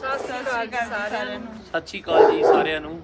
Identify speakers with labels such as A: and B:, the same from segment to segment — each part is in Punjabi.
A: ਸਤਿ ਸ਼੍ਰੀ
B: ਅਕਾਲ ਜੀ ਸਾਰਿਆਂ ਨੂੰ।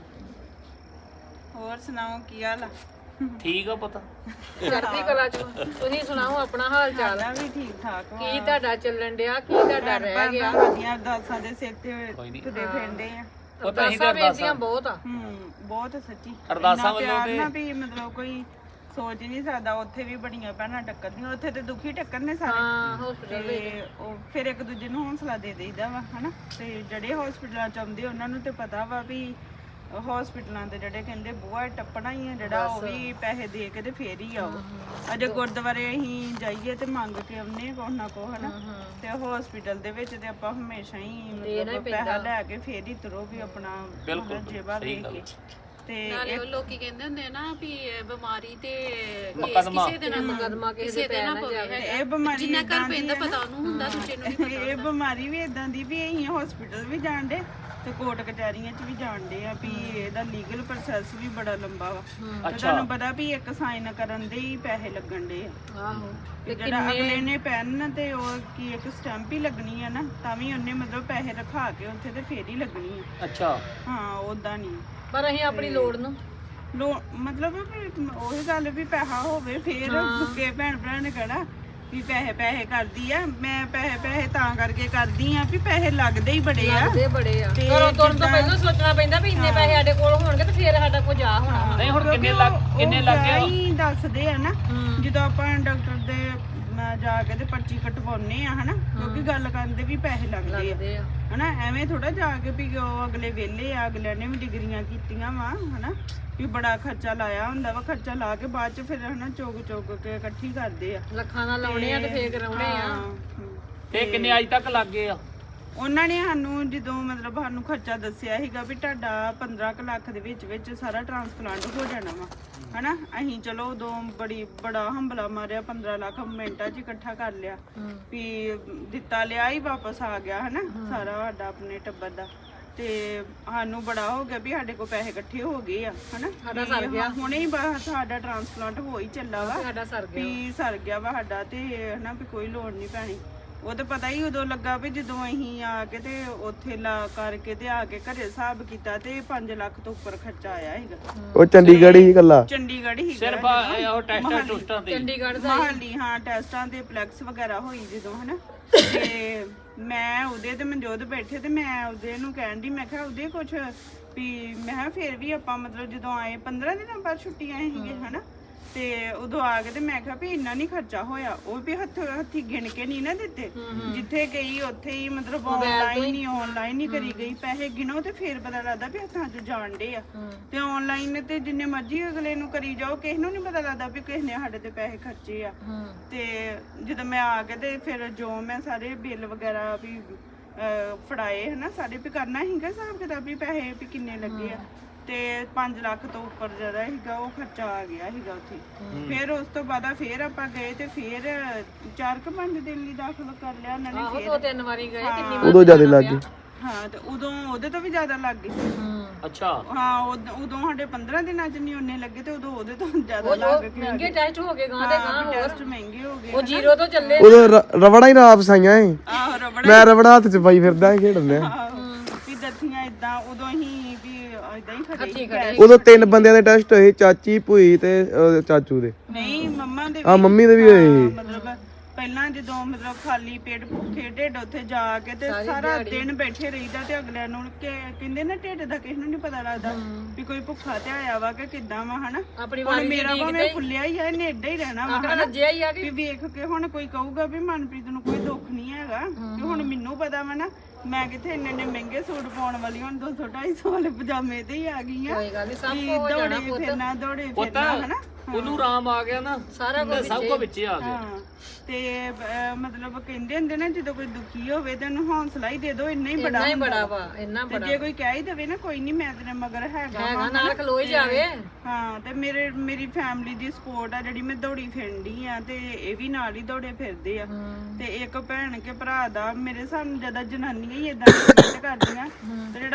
A: ਹੋਰ ਸੁਣਾਓ ਕੀ ਹਾਲ ਆ?
B: ਠੀਕ ਆ ਪਤਾ
C: ਚੜ੍ਹਦੀ ਕਲਾ ਚ। ਤੁਸੀਂ ਸੁਣਾਓ ਆਪਣਾ ਹਾਲ ਚਾਲ?
A: ਸਾਡਾ ਵੀ ਠੀਕ ਠਾਕ ਵਾ।
C: ਕੀ ਤੁਹਾਡਾ ਚੱਲਣ ਡਿਆ? ਕੀ ਤੁਹਾਡਾ ਰਹਿ ਗਿਆ?
A: ਵਧੀਆ ਅਰਦਾਸਾਂ ਦੇ ਸਿਰ ਤੇ ਤੁਰੇ ਫਿਰਦੇ ਆ।
C: ਅਰਦਾਸਾਂ ਬੇਨਤੀਆਂ ਬਹੁਤ ਆ।
A: ਬਹੁਤ ਸੱਚੀ
B: ਅਰਦਾਸਾਂ ਵੱਲੋਂ
A: ਤੇ ਨਾ ਵੀ ਮਤਲਬ ਕੋਈ ਸੋਚ ਹੀ ਨਹੀਂ ਸਕਦਾ। ਉੱਥੇ ਵੀ ਬੜੀਆਂ ਭੈਣਾਂ ਟੱਕਰਦੀਆਂ, ਉੱਥੇ ਤੇ ਦੁਖੀ ਟੱਕਰਨੇ ਸਾਰੇ।
C: ਹਾਂ ਹਸਪੀਟਲ
A: ਤੇ ਉਹ ਫਿਰ ਇੱਕ ਦੂਜੇ ਨੂੰ ਹੌਸਲਾ ਦੇ ਦੇਈਦਾ ਵਾ ਹਨਾ। ਤੇ ਜਿਹੜੇ ਹਸਪੀਟਲਾਂ ਚ ਆਉਂਦੇ ਉਹਨਾਂ ਨੂੰ ਤੇ ਪਤਾ ਵਾ ਵੀ ਹਸਪੀਟਲਾਂ ਦੇ ਜਿਹੜੇ ਕਹਿੰਦੇ ਬੂਹਾ ਟੱਪਣਾ ਹੀ ਆ ਜਿਹੜਾ, ਉਹ ਵੀ ਪੈਸੇ ਦੇ ਕੇ ਤੇ ਫੇਰ ਹੀ ਆਓ। ਅਜੇ ਗੁਰਦੁਆਰੇ ਅਸੀਂ ਜਾਈਏ ਤੇ ਮੰਗ ਕੇ ਆਉਨੇ ਕੁਛ ਨਾ ਕੁਛ ਹਨਾ। ਤੇ ਹਸਪੀਟਲ ਦੇ ਵਿੱਚ ਤੇ ਆਪਾਂ ਹਮੇਸ਼ਾ ਹੀ ਮਤਲਬ ਪੈਸਾ ਲੈ ਕੇ ਫੇਰ ਹੀ ਤੁਰੋ ਵੀ ਆਪਣਾ ਜੇਬਾਂ ਵੇਖ ਕੇ। ਤੇ
D: ਨਾਲੇ ਉਹ ਲੋਕੀ ਕਹਿੰਦੇ ਹੁੰਦੇ ਨਾ ਵੀ ਬਿਮਾਰੀ ਤੇ
B: ਮੁਕੱਦਮਾ।
D: ਕਿਸੇ ਦੇ ਨਾਲ
C: ਮੁਕੱਦਮਾ ਕਿਸੇ ਦੇ
D: ਨਾ ਪਵੇ।
A: ਇਹ ਬਿਮਾਰੀ
D: ਜਿੰਨਾ ਘਰ ਪੈਂਦਾ ਪਤਾ ਉਹਨੂੰ ਹੁੰਦਾ, ਦੂਜੇ ਨੂੰ ਨਹੀਂ ਪਤਾ।
A: ਇਹ ਬਿਮਾਰੀ ਵੀ ਇਦਾਂ ਦੀ ਵੀ ਅਸੀਂ ਹਸਪੀਟਲ ਵੀ ਜਾਣਦੇ ਤੇ ਕੋਰਟ ਕਚਹਿਰੀਆਂ 'ਚ ਵੀ ਜਾਣਦੇ ਆ ਵੀ ਇਹਦਾ ਲੀਗਲ ਪ੍ਰੋਸੈਸ ਵੀ ਬੜਾ ਲੰਬਾ ਵਾ। ਤੇ ਤੁਹਾਨੂੰ ਪਤਾ ਵੀ ਇੱਕ ਸਾਈਨ ਕਰਨ ਦੇ ਹੀ ਪੈਸੇ ਲੱਗਣ ਦੇ ਆ।
C: ਆਹੋ
A: ਤੇ ਜਿਹੜਾ ਅਗਲੇ ਨੇ ਪੈਨ ਤੇ ਉਹ ਕੀ ਇੱਕ ਸਟੈਂਪ ਹੀ ਲੱਗਣੀ ਆ ਨਾ, ਤਾਂ ਵੀ ਉਹਨੇ ਮਤਲਬ ਪੈਸੇ ਰਖਾ ਕੇ ਉੱਥੇ ਤੇ ਫੇਰ ਹੀ ਲੱਗਣੀ ਆ।
B: ਅੱਛਾ
A: ਹਾਂ ਉਦਾਂ ਨਹੀਂ।
C: ਪਰ ਅਸੀਂ ਆਪਣੀ ਲੋੜ ਨੂੰ
A: ਮਤਲਬ ਵੀ ਉਹੀ ਗੱਲ ਵੀ ਪੈਸਾ ਹੋਵੇ ਫੇਰ ਅੱਗੇ ਭੈਣ ਭਰਾ ਨੇ ਕਹਿਣਾ ਵੀ ਪੈਸੇ ਪੈਸੇ ਕਰਦੀ ਆ। ਮੈਂ ਪੈਸੇ ਤਾਂ ਕਰਕੇ ਕਰਦੀ ਆ ਵੀ ਪੈਸੇ ਲੱਗਦੇ ਹੀ ਬੜੇ ਆ।
C: ਬੜੇ ਆ। ਘਰੋਂ ਤੁਰਨ ਤੋਂ ਪਹਿਲਾਂ ਸੋਚਣਾ ਪੈਂਦਾ ਵੀ ਇੰਨੇ ਪੈਸੇ ਸਾਡੇ ਕੋਲ ਹੋਣਗੇ ਤੇ ਫੇਰ ਸਾਡਾ ਕੁਝ ਆ ਹੋਣਾ।
B: ਨਹੀਂ ਹੁਣ ਕਿੰਨੇ ਲੱਗ ਗਿਆ
A: ਹੀ ਦੱਸਦੇ ਆ ਨਾ ਜਦੋਂ ਆਪਾਂ ਡਾਕਟਰ ਦੇ ਜਾ ਕੇ ਤੇ ਪਰਚੀ ਕਟਵਾਉਨੇ ਆ ਹਨਾ, ਕਿਉਂਕਿ ਗੱਲ ਕਰਨ ਦੇ ਵੀ ਪੈਸੇ ਲੱਗਦੇ ਆ ਹਨਾ। ਐਵੇਂ ਥੋੜਾ ਜਾ ਕੇ ਵੀ ਉਹ ਅਗਲੇ ਵਿਹਲੇ ਆ, ਅਗਲਿਆਂ ਨੇ ਵੀ ਡਿਗਰੀਆਂ ਕੀਤੀਆਂ ਵਾ ਹਨਾ, ਵੀ ਬੜਾ ਖਰਚਾ ਲਾਇਆ ਹੁੰਦਾ ਵਾ। ਖਰਚਾ ਲਾ ਕੇ ਬਾਅਦ ਚ ਫਿਰ ਹਨਾ ਚੁੱਕ ਕੇ ਇਕੱਠੀ ਕਰਦੇ ਆ।
C: ਲੱਖਾਂ ਨਾਲ ਲਾਉਣੇ ਆ ਤੇ ਫੇਰ ਕਰਾਉਣੇ ਆ।
B: ਤੇ ਕਿੰਨੇ ਅੱਜ ਤੱਕ ਲੱਗ ਗਏ ਆ?
A: ਉਹਨਾਂ ਨੇ ਸਾਨੂੰ ਜਦੋਂ ਮਤਲਬ ਸਾਨੂੰ ਖਰਚਾ ਦੱਸਿਆ ਸੀਗਾ ਵੀ ਤੁਹਾਡਾ 15 ਲੱਖ ਦੇ ਵਿੱਚ ਸਾਰਾ ਟ੍ਰਾਂਸਪਲਾਂਟ ਹੋ ਜਾਣਾ ਵਾ ਹਨਾ। ਅਸੀਂ ਚਲੋ ਉਦੋਂ ਬੜਾ ਹੰਬਲਾ ਮਾਰਿਆ, 15 ਲੱਖ ਮਿੰਟਾਂ 'ਚ ਇਕੱਠਾ ਕਰ ਲਿਆ ਵੀ ਦਿੱਤਾ ਲਿਆ ਹੀ ਵਾਪਸ ਆ ਗਿਆ ਹਨਾ ਸਾਰਾ ਸਾਡਾ ਆਪਣੇ ਟੱਬਰ ਦਾ। ਤੇ ਸਾਨੂੰ ਬੜਾ ਹੋ ਗਿਆ ਵੀ ਸਾਡੇ ਕੋਲ ਪੈਸੇ ਇਕੱਠੇ ਹੋ ਗਏ ਆ ਹਨਾ।
C: ਸਾਡਾ ਸਰ ਗਿਆ
A: ਹੁਣੇ ਹੀ ਬਸ ਸਾਡਾ ਟ੍ਰਾਂਸਪਲਾਂਟ ਹੋ ਹੀ ਚੱਲਾ ਵਾ,
C: ਸਾਡਾ ਸਰ ਗਿਆ
A: ਵੀ ਸਰ ਗਿਆ ਵਾ ਸਾਡਾ ਤੇ ਹਨਾ ਵੀ ਕੋਈ ਲੋੜ ਨਹੀਂ ਪੈਣੀ। ਉਹ ਤਾਂ ਪਤਾ ਹੀ ਉਦੋਂ ਲੱਗਾ ਵੀ ਜਦੋਂ ਅਸੀਂ ਆ ਕੇ ਤੇ ਉੱਥੇ ਲਾ ਕਰਕੇ ਤੇ ਆ ਕੇ ਘਰੇ ਹਿਸਾਬ ਕੀਤਾ ਤੇ 5 ਲੱਖ ਤੋਂ ਉੱਪਰ ਖਰਚਾ ਆਇਆ ਸੀਗਾ।
E: ਉਹ ਚੰਡੀਗੜ੍ਹ ਹੀ ਇਕੱਲਾ
A: ਚੰਡੀਗੜ੍ਹ ਹੀ
B: ਸਿਰਫ ਉਹ ਟੈਸਟਾਂ ਟੁਸਟਾਂ ਤੇ
C: ਚੰਡੀਗੜ੍ਹ ਦਾ
A: ਮਹਾਲੀ ਹਾਂ ਟੈਸਟਾਂ ਦੇ ਪਲੈਕਸ ਵਗੈਰਾ ਹੋਈ ਜਦੋਂ ਹਨਾ। ਤੇ ਮੈਂ ਉਹਦੇ ਤੇ ਮਨਜੋਤ ਬੈਠੇ ਤੇ ਮੈਂ ਉਹਦੇ ਨੂੰ ਕਹਿਣ ਦੀ ਮੈਂ ਕਿਹਾ ਉਹਦੇ ਕੁਛ ਵੀ ਮੈਂ ਕਿਹਾ ਫਿਰ ਵੀ ਆਪਾਂ ਮਤਲਬ ਜਦੋਂ ਆਏ 15 ਦਿਨਾਂ ਬਾਅਦ ਛੁੱਟੀ ਆਏ ਸੀਗੇ ਹਨਾ। ਤੇ ਉਦੋਂ ਆ ਕੇ ਤੇ ਮੈਂ ਕਿਹਾ ਵੀ ਇੰਨਾ ਨਹੀਂ ਖਰਚਾ ਹੋਇਆ। ਉਹ ਵੀ ਹੱਥੀ ਗਿਣ ਕੇ ਨਹੀਂ ਨਾ ਦਿੱਤੇ, ਜਿੱਥੇ ਗਈ ਉੱਥੇ ਹੀ ਮਤਲਬ ਆਨਲਾਈਨ ਹੀ ਕਰੀ ਗਈ। ਪੈਸੇ ਗਿਣੋ ਤੇ ਫੇਰ ਪਤਾ ਲੱਗਦਾ ਵੀ ਹੱਥਾਂ 'ਚ ਜਾਣਦੇ ਆ। ਤੇ ਆਨਲਾਈਨ ਤੇ ਜਿੰਨੇ ਮਰਜ਼ੀ ਅਗਲੇ ਨੂੰ ਕਰੀ ਜਾਓ, ਕਿਸੇ ਨੂੰ ਨਹੀਂ ਪਤਾ ਲੱਗਦਾ ਵੀ ਕਿਸ ਨੇ ਸਾਡੇ ਤੇ ਪੈਸੇ ਖਰਚੇ ਆ। ਤੇ ਜਦੋਂ ਮੈਂ ਆ ਕੇ ਤੇ ਫਿਰ ਜੋ ਮੈਂ ਸਾਰੇ ਬਿੱਲ ਵਗੈਰਾ ਵੀ ਫੜਾਏ ਹਨਾ ਸਾਰੇ ਵੀ ਕਰਨਾ ਸੀਗਾ ਹਿਸਾਬ ਕਿਤਾਬ ਵੀ ਪੈਸੇ ਵੀ ਕਿੰਨੇ ਲੱਗੇ ਆ। ਤੇ 5 ਲੱਖ ਤੋਂ ਉੱਪਰ ਜਿਹੜਾ ਸੀਗਾ ਉਹ ਖਰਚਾ ਆ ਗਿਆ ਸੀਗਾ ਉੱਥੇ। ਫਿਰ ਉਸ ਤੋਂ ਬਾਅਦ ਫਿਰ ਆਪਾਂ ਗਏ ਤੇ ਫਿਰ 4-5 ਦਿਨ ਲਈ ਦਾਖਲ ਕਰ ਲਿਆ ਉਹਨਾਂ ਨੇ। ਫਿਰ
C: 2-3 ਵਾਰੀ ਗਏ। ਕਿੰਨੀ ਵਾਰ
E: ਉਦੋਂ ਜ਼ਿਆਦਾ ਲੱਗ ਗਏ।
A: ਹਾਂ ਤੇ ਉਦੋਂ ਉਹਦੇ ਤੋਂ ਵੀ ਜ਼ਿਆਦਾ ਲੱਗ ਗਏ।
B: ਅੱਛਾ
A: ਹਾਂ ਉਦੋਂ ਸਾਡੇ 15 ਦਿਨਾਂ ਚ ਨਹੀਂ ਉਹਨੇ ਲੱਗੇ ਤੇ ਉਦੋਂ ਉਹਦੇ ਤੋਂ ਜ਼ਿਆਦਾ ਲੱਗ ਗਏ।
C: ਮਹਿੰਗੇ ਟੈਸਟ ਹੋ ਗਏ ਗਾਂ ਦੇ ਗਾਂ
A: ਟੈਸਟ ਮਹਿੰਗੇ ਹੋ ਗਏ।
C: ਉਹ ਜ਼ੀਰੋ ਤੋਂ ਚੱਲੇ।
E: ਉਦੋਂ ਰਬੜਾ ਹੀ ਨਾ ਫਸਾਈਆਂ ਏ।
A: ਆਹੋ ਰਬੜ
E: ਮੈਂ ਰਬੜਾ ਹੱਥ 'ਚ ਪਾਈ ਫਿਰਦਾ ਖੇਡਦੇ
A: ਵੀ ਦੱਥੀਆਂ ਇਦਾਂ ਉਦੋਂ ਹੀ ਵੀ ਇਦਾਂ ਹੀ ਖੜੇ।
E: ਉਦੋਂ 3 ਬੰਦਿਆਂ ਦੇ ਟੈਸਟ ਹੋਏ, ਚਾਚੀ ਭੂਈ ਤੇ ਚਾਚੂ ਦੇ।
A: ਨਹੀਂ ਮੰਮਾ ਦੇ
E: ਆ ਮੰਮੀ ਦੇ ਵੀ ਹੋਏ ਸੀ।
A: ਮਤਲਬ ਪਹਿਲਾਂ ਜਦੋਂ ਮਤਲਬ ਖਾਲੀ ਪੇਟ ਭੁੱਖੇ ਢਿੱਡ ਉੱਥੇ ਜਾ ਕੇ ਤੇ ਸਾਰਾ ਦਿਨ ਬੈਠੇ ਰਹੀਦਾ ਤੇ ਅਗਲਿਆਂ ਨੂੰ ਕਹਿੰਦੇ ਨਾ ਢਿੱਡ ਦਾ ਕਿਸੇ ਨੂੰ ਨਹੀਂ ਪਤਾ ਲੱਗਦਾ ਵੀ ਕੋਈ ਭੁੱਖਾ ਤੇ ਆਇਆ ਵਾ ਕਿ ਕਿੱਦਾਂ ਵਾ ਹਨਾ। ਹੁਣ ਮੇਰਾ ਭਾਵੇਂ ਫੁੱਲਿਆ ਹੀ ਆ, ਇਹਨੇ ਏਡਾ ਹੀ ਰਹਿਣਾ ਵਾ ਹਨਾ। ਵੀ ਵੇਖ ਕੇ ਹੁਣ ਕੋਈ ਕਹੂਗਾ ਵੀ ਮਨਪ੍ਰੀਤ ਨੂੰ ਕੋਈ ਦੁੱਖ ਨਹੀਂ ਹੈਗਾ ਕਿ ਹੁਣ ਮੈਨੂੰ ਪਤਾ ਵਾ ਨਾ ਮੈਂ ਕਿੱਥੇ ਇੰਨੇ ਮਹਿੰਗੇ ਸੂਟ ਪਾਉਣ ਵਾਲੀ ਹੁਣ 200-250 ਵਾਲੇ ਪਜਾਮੇ ਤੇ ਹੀ ਆ ਗਈ ਆ। ਦੌੜੇ ਫਿਰਨਾ ਹਨਾ।
B: ਉਹਨੂੰ ਆਰਾਮ ਆ ਗਿਆ ਨਾ ਸਾਰਾ ਕੁਝ ਸਭ ਕੁਝ ਵਿੱਚੇ ਆ ਗਿਆ।
A: ਤੇ ਮਤਲਬ ਕਹਿੰਦੇ ਹੁੰਦੇ ਨਾ ਜਦੋਂ ਕੋਈ ਦੁਖੀ ਹੋਵੇ ਤੇ ਉਹਨੂੰ ਹੌਸਲਾ ਹੀ ਦੇ ਦਿਓ, ਇੰਨਾ ਹੀ ਬੜਾ
C: ਵਾ ਇੰਨਾ
A: ਬੜਾ। ਜੇ ਕੋਈ ਕਹਿ ਹੀ ਦੇਵੇ ਨਾ ਕੋਈ ਨਹੀਂ ਮੈਂ ਤੇਰੇ ਮਗਰ ਹੈਗਾ
C: ਨਾਲ ਖਲੋ ਹੀ ਜਾਵੇ।
A: ਹਾਂ ਤੇ ਮੇਰੀ ਫੈਮਿਲੀ ਦੀ ਸਪੋਰਟ ਆ ਜਿਹੜੀ ਮੈਂ ਦੌੜੀ ਫਿਰਦੀ ਆ ਤੇ ਇਹ ਵੀ ਨਾਲ ਹੀ ਦੌੜੇ ਫਿਰਦੇ ਆ। ਤੇ ਇੱਕ ਭੈਣ ਕੇ ਭਰਾ ਦਾ ਮੇਰੇ ਸਾਹਮਣੇ ਜਿਆਦਾ ਜਨਾਨੀਆਂ ਹੀ ਏਦਾਂ ਕਰਦੀਆਂ ਤੇ ਜਿਹੜਾ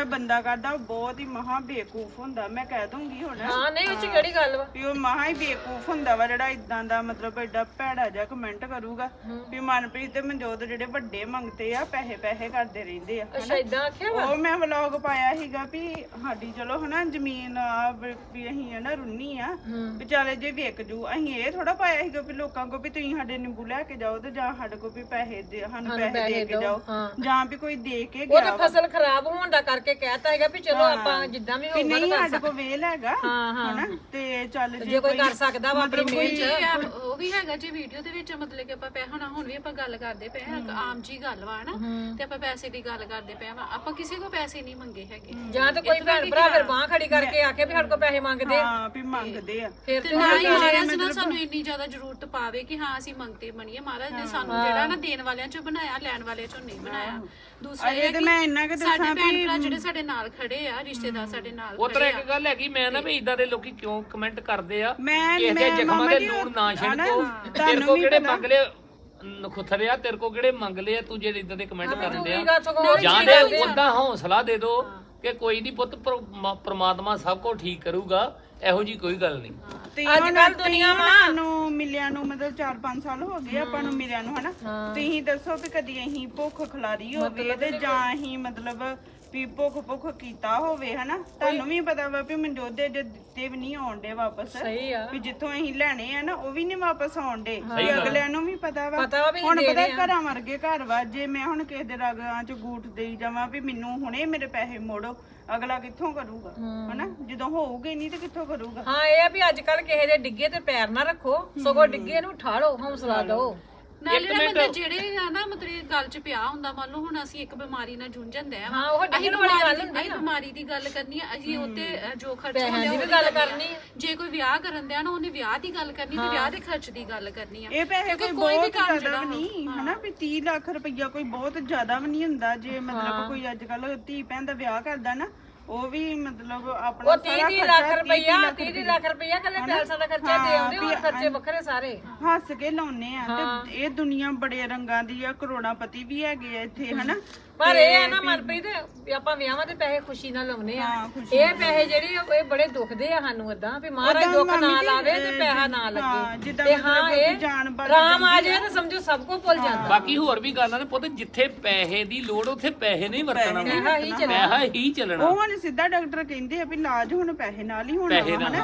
A: ਬੰਦਾ ਕਰਦਾ ਉਹ ਬਹੁਤ ਹੀ ਮਹਾ ਬੇਵਕੂਫ ਹੁੰਦਾ। ਮੈਂ ਕਹਿ ਦੂੰਗੀ ਹੁਣ
C: ਹਾਂ ਨਹੀਂ ਉਹ ਚ ਕਿਹੜੀ ਗੱਲ ਵਾ।
A: ਵੀ ਉਹ ਮਹਾ ਹੀ ਬੇਵਕੂਫ ਹੁੰਦਾ ਵਾ ਜਿਹੜਾ ਇਦਾਂ ਦਾ ਮਤਲਬ ਐਡਾ ਭੈੜਾ ਜਿਹਾ ਕਮੈਂਟ ਕਰੂਗਾ ਵੀ ਮਨਪ੍ਰੀਤ ਤੇ ਮਨਜੋਤ ਜਿਹੜੇ ਵੱਡੇ ਮੰਗਤੇ ਆ ਪੈਸੇ ਕਰਦੇ ਰਹਿੰਦੇ ਆ।
C: ਅੱਛਾ ਇਦਾਂ ਆਖਿਆ ਵਾ।
A: ਉਹ ਮੈਂ ਵਲੌਗ ਪਾਇਆ ਸੀਗਾ ਵੀ ਸਾਡੀ ਚਲੋ ਹਨਾ ਜ਼ਮੀਨ ਆ ਵੀ ਅਸੀਂ ਹਨਾ ਰੁੰਨੀ ਆ ਵੀ ਚੱਲ ਜੇ ਵਿਕ ਜੂ। ਅਸੀਂ ਇਹ ਥੋੜਾ ਪਾਇਆ ਸੀਗਾ ਵੀ ਲੋਕਾਂ ਕੋ ਵੀ ਤੁਸੀਂ ਸਾਡੇ ਨਿੰਬੂ ਲੈ ਕੇ ਜਾਓ ਤੇ ਜਾਂ ਸਾਡੇ ਕੋ ਵੀ ਪੈਸੇ ਦੇ ਸਾਨੂੰ ਪੈਸੇ ਦੇ ਕੇ ਜਾਓ ਜਾਂ ਵੀ ਕੋਈ ਦੇ ਕੇ
C: ਉਹ
A: ਗਿਆ
C: ਤੇ ਫਸਲ ਖਰਾਬ ਹੋਣ ਦਾ ਕਰਕੇ ਕਹਿਤਾ ਹੈਗਾ ਵੀ ਚਲੋ ਆਪਾਂ ਜਿੱਦਾਂ ਵੀ
A: ਵੀ
C: ਹੋਊਗਾ
A: ਨਹੀਂ ਸਾਡੇ ਕੋ ਵੇਲ ਹੈਗਾ ਹਨਾ ਤੇ ਚੱਲ
C: ਜੇ ਕੋਈ ਕਰ ਸਕਦਾ ਵਾ ਆਪਣੀ ਮਿਹਨਤ
D: ਉਹ ਵੀ ਹੈਗਾ ਜੀ ਵੀਡੀਓ ਦੇ ਵਿੱਚ ਮਤਲਬ ਕਿ ਆਪਾਂ ਹੁਣ ਵੀ ਆਪਾਂ ਗੱਲ ਕਰਦੇ ਪਏ ਆ ਆਮ ਜੀ ਗੱਲ ਵਾ ਨਾ ਤੇ ਆਪਾਂ ਪੈਸੇ ਦੀ ਗੱਲ ਕਰਦੇ ਪਏ ਆ ਆਪਾਂ ਕਿਸੇ ਕੋ ਪੈਸੇ ਨਹੀਂ ਮੰਗੇ ਹੈਗੇ
C: ਜਾਂ ਤਾਂ ਕੋਈ ਭੈਣ ਭਰਾ ਫਿਰ ਬਾਹ ਖੜੀ ਕਰਕੇ ਆਖੇ ਵੀ ਸਾਡੇ ਕੋਲ ਪੈਸੇ ਮੰਗਦੇ ਆ
A: ਹਾਂ ਵੀ ਮੰਗਦੇ ਆ
C: ਫਿਰ
D: ਤੇ ਨਾ ਹੀ ਮਹਾਰਾਜ ਨਾ ਸਾਨੂੰ ਇੰਨੀ ਜ਼ਿਆਦਾ ਜ਼ਰੂਰਤ ਪਾਵੇ ਕਿ ਹਾਂ ਅਸੀਂ ਮੰਗਤੇ ਬਣੀਏ। ਮਹਾਰਾਜ ਨੇ ਸਾਨੂੰ ਜਿਹੜਾ ਨਾ ਦੇਣ ਵਾਲਿਆਂ ਚੋਂ ਬਣਾਇਆ ਲੈਣ ਵਾਲਿਆਂ ਚੋਂ ਨਹੀਂ ਬਣਾਇਆ। ਦੂਸਰਾ ਇਹ
A: ਤੇ ਮੈਂ ਇੰਨਾ ਕਿ
D: ਸਾਡੇ ਭੈਣ ਭਰਾ ਜਿਹੜੇ ਸਾਡੇ ਨਾਲ ਖੜੇ ਆ ਰਿਸ਼ਤੇਦਾਰ ਸਾਡੇ ਨਾਲ
B: ਉਹ ਤਰ੍ਹਾਂ ਇੱਕ ਗੱਲ ਹੈਗੀ ਮੈਂ ਨਾ ਵੀ ਇਦਾਂ ਦੇ ਲੋਕੀ ਕਿਉਂ ਕਮੈਂਟ ਕਰਦੇ ਆ
A: ਮੈਂ
B: ਕਿਸੇ ਦੇ ਜ਼ਖਮਾਂ ਦੇ ਲੂਣ ਨਾ ਛਿੜਕੋ। ਤੇਰੇ ਕੋ ਕਿਹੜੇ ਮੰਗ ਲਏ ਨਖੁੱਥਰਿਆ ਤੇਰੇ ਕੋ ਕਿਹੜੇ ਮੰਗ ਲਏ ਤੂੰ ਜਿਹੜੇ ਇਦਾਂ ਦੇ ਕਮੈਂਟ ਕਰਨ ਦੇ ਆ ਜਾਂ ਦੇ ਉਦਾਂ ਹੌਸਲਾ ਦੇ ਦੋ ਕਿ ਕੋਈ ਨਹੀਂ ਪੁੱਤ ਪ੍ਰਮਾਤਮਾ ਸਭ ਕੁਝ ਠੀਕ ਕਰੂਗਾ। ਇਹੋ ਜੀ ਕੋਈ ਗੱਲ ਨਹੀਂ।
A: ਤੇ ਅੱਜ ਕੱਲ ਦੁਨੀਆ ਨੂੰ ਮਿਲਿਆ ਨੂੰ ਮਤਲਬ 4-5 ਸਾਲ ਹੋ ਗਏ ਆਪਾਂ ਨੂੰ ਮਿਲਿਆ ਨੂੰ ਹਨਾ। ਤੁਸੀਂ ਦੱਸੋ ਵੀ ਕਦੀ ਅਸੀਂ ਭੁੱਖ ਖਲਾਰੀ ਹੋਵੇ ਤੇ ਜਾਂ ਅਸੀਂ ਮਤਲਬ ਵੀ ਭੁੱਖ ਕੀਤਾ ਹੋਵੇ ਹਨਾ। ਤੁਹਾਨੂੰ ਵੀ ਪਤਾ ਵਾ ਵੀ ਮਨਜੋਤ ਦੇ ਦਿੱਤੇ ਵੀ ਨਹੀਂ ਆਉਂਦੇ ਵਾਪਸ।
C: ਸਹੀ ਆ
A: ਵੀ ਜਿੱਥੋਂ ਅਸੀਂ ਲੈਣੇ ਆ ਨਾ ਉਹ ਵੀ ਨਹੀਂ ਵਾਪਸ ਆਉਂਦੇ। ਅਗਲਿਆਂ ਨੂੰ ਵੀ ਪਤਾ ਵਾ
C: ਵੀ
A: ਹੁਣ ਪਤਾ ਘਰਾਂ ਵਰਗੇ ਘਰ ਵਾ। ਜੇ ਮੈਂ ਹੁਣ ਕਿਸੇ ਦੇ ਰਗਾਂ ਚ ਗੂਠ ਦੇਈ ਜਾਵਾਂ ਵੀ ਮੈਨੂੰ ਹੁਣੇ ਮੇਰੇ ਪੈਸੇ ਮੋੜੋ ਅਗਲਾ ਕਿੱਥੋਂ ਕਰੂਗਾ ਹਨਾ। ਜਦੋਂ ਹੋਊਗੇ ਨਹੀਂ ਤੇ ਕਿੱਥੋਂ ਕਰੂਗਾ।
C: ਹਾਂ ਇਹ ਆ ਵੀ ਅੱਜ ਕੱਲ ਕਿਸੇ ਦੇ ਡਿੱਗੇ ਤੇ ਪੈਰ ਨਾ ਰੱਖੋ ਸਗੋਂ ਡਿੱਗੇ ਨੂੰ ਉਠਾੜੋ ਹੌਸਲਾ ਦਿਓ।
D: ਨਾਲੇ ਨਾ ਬੰਦਾ ਜਿਹੜੇ ਆ ਨਾ ਮਤਲਬ ਗੱਲ ਚ ਪਿਆ ਹੁੰਦਾ ਮੰਨ ਲਓ ਹੁਣ ਅਸੀਂ ਇੱਕ ਬਿਮਾਰੀ ਨਾਲ ਜੂਝਣਦੇ ਆ
C: ਹਾਂ ਉਹ ਡਿੱਗਣ ਵਾਲੀ ਗੱਲ ਹੁੰਦੀ
D: ਅਸੀਂ ਬਿਮਾਰੀ ਦੀ ਗੱਲ ਕਰਨੀ ਆ ਅਸੀਂ ਉੱਤੇ ਜੋ ਖਰਚ
C: ਪੈਸਿਆਂ ਦੀ ਵੀ ਗੱਲ ਕਰਨੀ
D: ਜੇ ਕੋਈ ਵਿਆਹ ਕਰਨ ਦਿਆ ਨਾ ਉਹਨੇ ਵਿਆਹ ਦੀ ਗੱਲ ਕਰਨੀ ਤੇ ਵਿਆਹ ਦੇ ਖਰਚ ਦੀ ਗੱਲ ਕਰਨੀ ਆ।
A: ਇਹ ਪੈਸੇ ਕੋਈ ਬਹੁਤ ਜ਼ਿਆਦਾ ਵੀ ਨਹੀਂ ਹਨਾ ਵੀ 30 ਲੱਖ ਰੁਪਈਆ ਕੋਈ ਬਹੁਤ ਜ਼ਿਆਦਾ ਵੀ ਨਹੀਂ ਹੁੰਦਾ। ਜੇ ਮਤਲਬ ਕੋਈ ਅੱਜ ਕੱਲ ਧੀ ਭੈਣ ਦਾ ਵਿਆਹ ਕਰਦਾ ਨਾ ਉਹ ਵੀ ਮਤਲਬ ਆਪਣਾ
C: ਉਹ 30 ਲੱਖ ਰੁਪਈਆ 30 ਲੱਖ ਰੁਪਈਆ ਕੱਲੇ ਪੈਸਾ ਦਾ ਖਰਚਾ ਦੇ ਆਉਂਦੇ ਹੋਰ ਖਰਚੇ ਵੱਖਰੇ ਸਾਰੇ
A: ਹੱਸ ਕੇ ਲਾਉਨੇ ਆ। ਤੇ ਇਹ ਦੁਨੀਆ ਬੜੇ ਰੰਗਾਂ ਦੀ ਆ। ਕਰੋੜਾਪਤੀ ਵੀ ਹੈਗੇ ਆ ਇੱਥੇ ਹਨਾ।
C: ਪਰ ਇਹ ਹੈ ਨਾ ਮਨਪ੍ਰੀਤ ਆਪਾਂ ਵਿਆਹਾਂ ਦੇ ਪੈਸੇ ਖੁਸ਼ੀ ਨਾਲ ਲਾਉਨੇ ਆ। ਇਹ ਪੈਸੇ ਜਿਹੜੇ ਇਹ ਬੜੇ ਦੁਖਦੇ ਆ ਸਾਨੂੰ ਏਦਾਂ ਵੀ ਮਹਾਰਾਜ ਦੁੱਖ ਨਾ ਲਾਵੇ ਤੇ ਪੈਸਾ ਨਾ ਲੱਗੇ ਤੇ ਹਾਂ ਇਹ ਰਾਮ ਆ ਜਾਏ ਤਾਂ ਸਮਝੋ ਸਭ ਕੁਝ ਭੁੱਲ ਜਾਂਦਾ।
B: ਬਾਕੀ ਹੋਰ ਵੀ ਗੱਲਾਂ ਨੇ ਪੁੱਤ ਜਿੱਥੇ ਪੈਸੇ ਦੀ ਲੋੜ ਉੱਥੇ ਪੈਸੇ ਨਹੀਂ ਵਰਤਣਾ ਪੈਸਾ ਹੀ ਚੱਲਣਾ।
A: ਉਹ ਹੁਣ ਸਿੱਧਾ ਡਾਕਟਰ ਕਹਿੰਦੇ ਆ ਵੀ ਇਲਾਜ ਹੁਣ ਪੈਸੇ ਨਾਲ ਹੀ ਹੋਣਾ ਹਨਾ।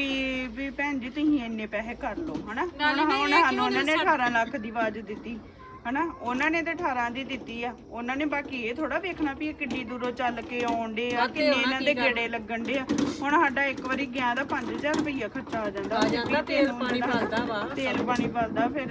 A: ਵੀ ਭੈਣ ਜੀ ਤੁਸੀਂ ਇੰਨੇ ਪੈਸੇ ਕਰ ਲਓ ਹਨਾ। ਹੁਣ ਸਾਨੂੰ ਉਹਨਾਂ ਨੇ 18 ਲੱਖ ਦੀ ਆਵਾਜ਼ ਦਿੱਤੀ ਹਨਾ। ਉਹਨਾਂ ਨੇ ਤੇ 18 ਦੀ ਦਿੱਤੀ ਆ। ਉਹਨਾਂ ਨੇ ਬਾਕੀ ਇਹ ਥੋੜਾ ਵੇਖਣਾ ਵੀ ਇਹ ਕਿੱਡੀ ਦੂਰੋਂ ਚੱਲ ਕੇ ਆਉਂਦੇ ਆ ਕਿੰਨੇ ਇਹਨਾਂ ਦੇ ਗੇੜੇ ਲੱਗਣ ਦੇ ਆ। ਹੁਣ ਸਾਡਾ ਇੱਕ ਵਾਰੀ ਗਿਆ ਦਾ 5000 ਰੁਪਈਆ ਖਰਚਾ ਆ ਜਾਂਦਾ।
C: ਤੇਲ ਪਾਣੀ ਪਾਲਦਾ ਵਾ
A: ਤੇਲ ਪਾਣੀ ਪਾਲਦਾ ਫਿਰ